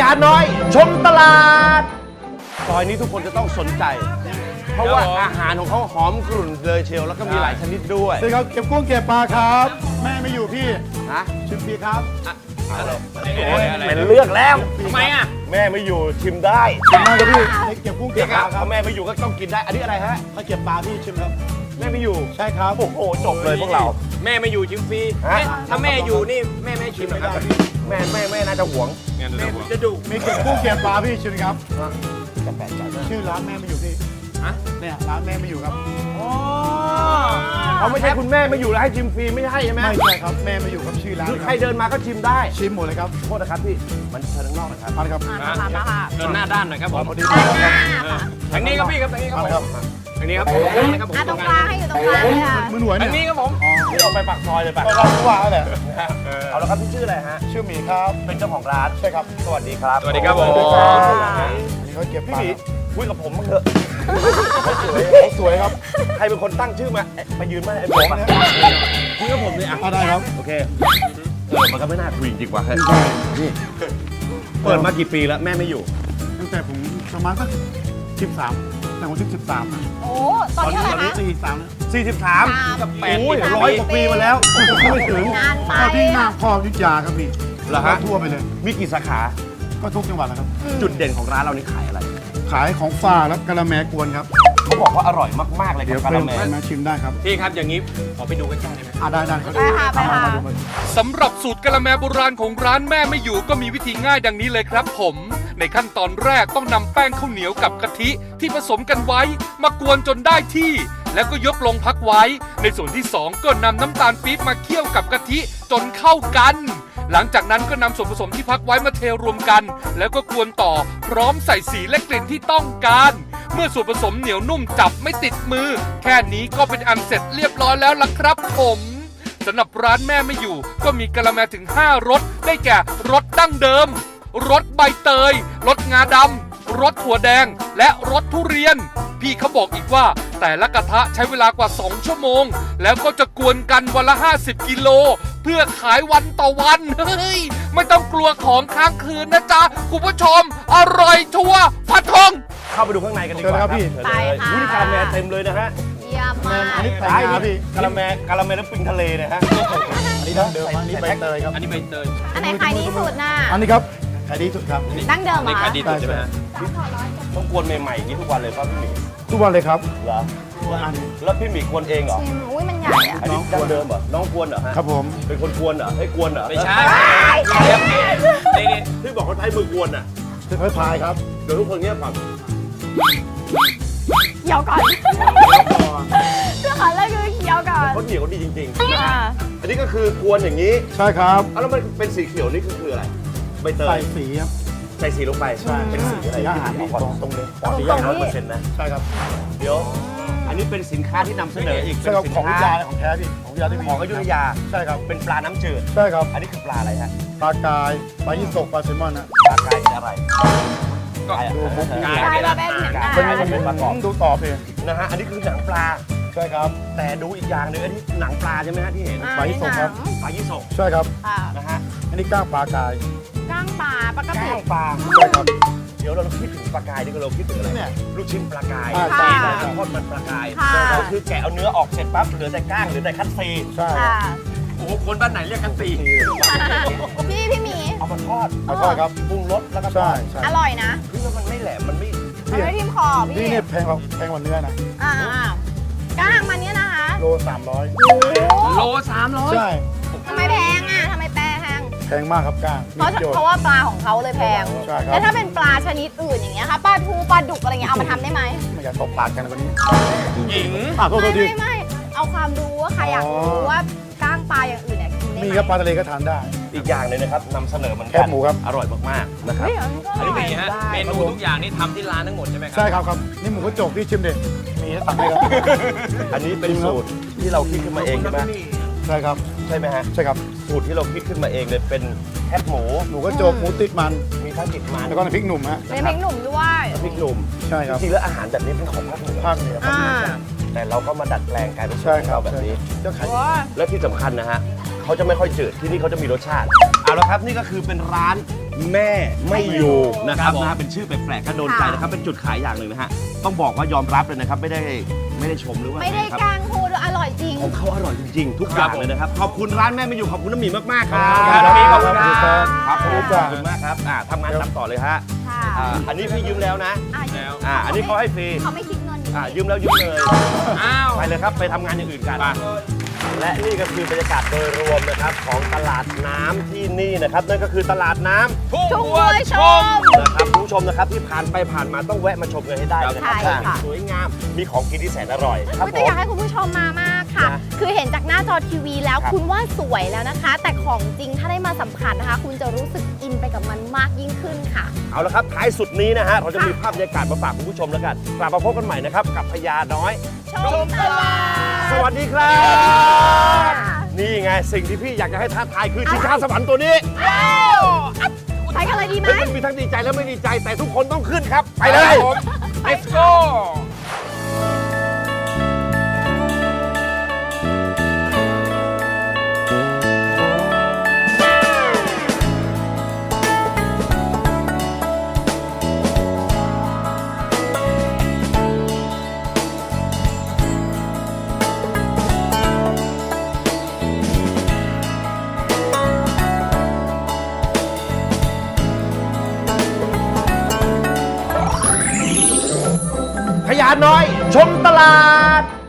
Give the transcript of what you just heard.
าน้อย ชมตลาดซอยนี้ทุกคนจะต้องสนใจ เพราะว่าอาหารของเขาหอมกรุ่นเลยเชียวแล้วก็มีหลายชนิดด้วยสวัสดีครับเก็บกุ้งเก็บปลาครับ แม่ไม่อยู่พี่ฮะชิมฟรีครับเป็นเลือกแล้วทำไมอ่ะแม่ไม่อยู่ชิมได้ชิมมากครับพี่ให้เก็บกุ้งเก็บปลาคถ้ารับแม่ไม่อยู่ก็ต้องกินได้ อันนี้อะไรฮะถ้าเก็บปลาพี่ชิมครับแม่ไม่อยู่ใช่ครับโอ้โหจบเลยพวกเราแม่ไม่อยู่ชิมฟรีฮะถ้าแม่อยู่นี่แม่ไม่ให้ชิมหรอกครับแม่น่าจะหวงแม่จะดุมีเก็บกุ้งเก็บปลาพี่ชิมครับจะแปลกใจมากชื่อร้านแม่ไม่อยู่พี่ฮะเนี่ยร้านแม่ไม่อยู่ครับอ๋อเขาไม่ใช่คุณแม่ไม่อยู่แล้วให้ชิมฟรีไม่ใช่ใช่ไหมไม่ใช่ครับแม่ไม่อยู่ครับชื่อร้านคือคใครรับเดินมาก็ชิมได้ชิมหมดเลยครับโทษนะครับพี่มันเชิญข้างนอกนะครับเอาละครับเดินหน้าด้านหน่อยครับผมพอดีทางนี้ครับพี่ครับทางนี้ครับเอาผมละครับทางนี้ครับผมนะครับผมตรงกลางให้อยู่ตรงกลางเลยค่ะมือหน่วยทางเนี่นี้ยครับผมพี่ออกไปปากซอยเลยปะก็รับผู้ว่าแล้วแหละเอาละครับพี่ชื่ออะไรฮะชื่อหมีครับเป็นเจ้าของร้านใช่ครับสวัสดีครับสวัสดีครับผมอันนี้เขาเก็บพี่ปลาหมีคุยกับผมบ้างเถอะเขาสวยครับใครเป็นคนตั้งชื่อมาไปยืนมาไอ้ผมเนี่ยคุยกับผมเลยอ่ะได้ครับโอเคมันก็ไม่น่าคุยจริงๆว่ะเฮ้ยนี่เปิดมากี่ปีแล้วแม่ไม่อยู่ตั้งแต่ผมประมาณสัก13แต่ผม13นะโอ้ตอนนี้เท่าไหร่คะ 43 43 แปดโอ้ยสิบ 100 กว่าปีมาแล้วไม่ถึงนานไปก็ที่หน้าพ่อยุทธยาครับพี่เหรอฮะทั่วไปเลยมีกี่สาขาก็ทุกจังหวัดนะครับจุดเด่นของร้านเรานี่ขายอะไรขายของฝากและกะละแมกวนครับเขาบอกว่าอร่อยมากๆเลยเดี๋ยวกับเป็กะนละแมมาชิมได้ครับพี่ครับอย่างนี้ขอไปดูใกล้ๆได้ไหมได้ครับไปค่ะไปค่ะมาดูมาสำหรับสูตรกะละแมโบราณของร้านแม่ไม่อยู่ก็มีวิธีง่ายดังนี้เลยครับผม ในขั้นตอนแรกต้องนำแป้งข้าวเหนียวกับกะทิที่ผสมกันไว้ มากวนจนได้ที่ แล้วก็ยกลงพักไว้ ในส่วนที่ 2 ก็นำน้ำตาลปี๊บมาเคี่ยวกับกะทิจนเข้ากัน หลังจากนั้นก็นำส่วนผสมที่พักไว้มาเทรวมกัน แล้วก็กวนต่อพร้อมใส่สีและกลิ่นที่ต้องการ เมื่อส่วนผสมเหนียวนุ่มจับไม่ติดมือ แค่นี้ก็เป็นอันเสร็จเรียบร้อยแล้วล่ะครับผมสำหรับร้านแม่ไม่อยู่ ก็มีกะละแมถึง5รสได้แก่รสดั้งเดิมรสใบเตยรสงาดำรสถั่วแดง และรสทุเรียน พี่เขาบอกอีกว่าแต่ละกระทะใช้เวลากว่า2ชั่วโมง แล้วก็จะกวนกันวันละ50กิโลเพื่อขายวันต่อวันเฮ้ยไม่ต้องกลัวของค้างคืนนะจ๊ะคุณผู้ชมอร่อยชัวร์ฟันธงเข้าไปดูข้างในกันดีกว่าเชิญครับพี่เชิญเลยอุ้ยกะละแมเต็มเลยนะฮะเยี่ยมมากอันนี้ไข่ได้งาพี่กะละแมน้ำปิงทะเลเนี่ยฮะอันนี้ดั้งเดิมอันนี้ใบเตยครับอันนี้ใบเตยอันไหนขายดีสุดน่ะอันนี้ครับขายดีสุดครับดั้งเดิมเหรนี่อขาคะยดีสุดใช่ไหมฮะต้องกวนใหม่ๆอย่างนี้ทุกวันเลยป่ะพี่หมีทุกวันเลยครับเหรอทุกวันแล้วพี่หมีกวนเองเหรอชิมอุ้ยมันใหญ่อะอันนี้ดั้งเดิมเหรอน้องกวนเหรอฮะครับผมเป็นคนกวนเหรอให้กวนเหรอไม่ใช่นี่ที่บอกเขาใช้มือกวนอ่ะจะค่อยพายครับเดี๋ยวทุกคนเงียบก่อนเคี้ยวก่อนเรื่องของเรื่องคือเคี้ยวก่อนเขาเหนียวดีจริงๆนะอ่าฮะอันนี้ก็คือกวนอย่างนี้ใช่ครับเอาแล้วมันเป็นสีเขียวนี่คืออะไรใบเตใส่ยสีครับใส่สีลงไปใช่เป็นสีอะไรสีอาหารที่ตรงเลยสีตรอาง หารนี้ 100%นะใช่ครับเดี๋ยว อันนี้เป็นสินค้าที่นำเสนออีกใช่ครับเป็นของสิยุนธยาค้าของแท้พี่ของยุธยาที่มีของอยุธยาใช่ครับเป็นปลาน้ำจืดใช่ครับอันนี้คือปลาอะไรฮะปลากายปลายี่สกปลาแซลมอนนะปลากายคืออะไรก็ดูมุกกายกลายมาเป็นเป็นประกอบดูต่อเพลงนะฮะ อันนี้คือหนังปลาใช่ครับแต่ดูอีกอย่างหนึงอันนี้หนังปลาใช่ไหมฮะที่เห็นปลายี่สกครับปลายี่สกใช่ครับค่ะนะฮะอันนี้ก้างปลากายก้างปลาปกติก้างปลาใช่ครับเดี๋ยวเราคิดถึงปลากายนี่ก็เราคิดถึงอะไรเนี่ยลูกชิ้นปลากายอ่าใช่นะทอดมันปลากายค่ะก็คือแกะเอาเนื้อออกเสร็จปั๊บเหลือแต่ก้างเหลือแต่คัตซีใช่คค่ะรับโอ้โหคนบ้านไหนเรียกกันตีพี่หมีเอามาทอดเอาทอดครับปรุงรสแล้วก็ทใช่อดใช่อร่อยนะคือมันไม่แหลมมันไม่มันไม่ทิ่มคอนี่พี่เนี่ยแพงกว่าเนื้อนะอ่าก้างมันเนี่ยนะคะโล300 โล300 ใช่ทำไมแพงอ่ะทำไมแพงแพงมากครับก้างเพราะมีประโยชน์เพราะว่าปลาของเขาเลยแพงใช่ครับแล้วถ้าเป็นปลาชนิดอื่นอย่างเงี้ยค่ะปลาทูปลาดุกอะไรเงี้ยเอามาทำได้ไหมไม่อยากตกปากกันกว่านี้หญิงโทษทีไม่เอาความรู้ว่าใครอยากรู้ว่าก้างปลาอย่างอื่นเนี่ยกินได้ไหมมีครับปลาทะเลก็ทานได้อีกอย่างหนึงนะครับนำเสนอมันแคบหมูครับอร่อยมากๆนะครับเฮ้ยอันนี้ก็ออันร่นี้อยเป็นฮะเมนูทุกอย่างนี่ทำที่ร้านทั้งหมดใช่ไหมครัใช่ครับครับ นี่หมูกระจกพี่ชิมเด็มีให้สั่งให้ครับอันนี้เป็นสูตรที่เราคิดขึ้นมาเองใช่ไหมใช่ครับใช่ไหมฮะใช่ครับสูตรที่เราคิดขึ้นมาเองเลยเป็นแคบหมูหมูกระจกหมูติดมันมีทั้งติดมันแล้วก็น้ำพริกหนุ่มฮะเป็นพริกหนุ่มด้วยพริกหนุ่มใช่ครับจริงๆแล้วอาหารแบบนี้เป็นของภาคเหนือภาคเหนือครับอ่าแต่เราก็มาดัดแปลงกลายเป็นสูตใช่รของครับเราแบบนี้เจ้าไข่โอ้ยและที่สำคัญนะฮะเขาจะไม่ค่อยจืดที่นี่เขาจะมีรสชาติเอาละครับนี่ก็คือเป็นร้านแม่ไม่อยู่นะครับครับผมนะฮะเป็นชื่อแปลกๆก็โดนใจนะครับเป็นจุดขายอย่างหนึ่งนะฮะต้องบอกว่ายอมรับเลยนะครับไม่ได้ชมหรือว่าไม่ได้อะรครับกางพูดอร่อยจริงของเขาอร่อยจริงๆ ทุกอย่างเลยนะครับ ขอบคุณร้านแม่ไม่อยู่ ขอบคุณน้ำหมีมากๆ ครับขอบคุณครับขอบคุณครับครับขอบคุณมากครับทำงานรับต่อเลยฮะค่ะอันนี้พี่ยืมแล้วนะแล้วอันนี้เขาให้ฟรีเขาไม่คิดเงินยืมแล้วยืมเลยอ้าวไปเลยครับ ไปทำงานอย่างอื่นกัน และนี่ก็คือบรรยากาศโดยรวมนะครับของตลาดน้ำที่นี่นะครับ นั่นก็คือตลาดน้ำทุ่งทุ่งวัวัววชชมมนะครับคุณผู้ชมนะครับที่ผ่านไปผ่านมาต้องแวะมาชมกันให้ได้นะครัใช่ค่ะสวยงาม มีของกินที่แสนอร่อยครับอุ๊ยผแต่อมยากให้คุณผู้ชมมามากค่ะนะคือเห็นจากหน้าจอทีวีแล้วครับคุณว่าสวยแล้วนะคะ แต่ของจริงถ้าได้มาสัมผัสนะคะ คุณจะรู้สึกอินไปกับมันมากยิ่งขึ้นค่ะเอาละครับท้ายสุดนี้นะฮะเราจะมีภาพบรรยากาศมาฝากคุณผู้ชมแล้วกันกลับมาพบกันใหม่นะครับกับพญาน้อยชมตลาดสวัสดีครับ นี่ไงสิ่งที่พี่อยากจะให้ท้าทายคือชิงช้าสวรรค์ตัวนี้ไปกันเลยดีไหมมันมีทั้งดีใจและไม่ดีใจแต่ทุกคนต้องขึ้นครับ ไปเลย Let's go พญาน้อย ชมตลาด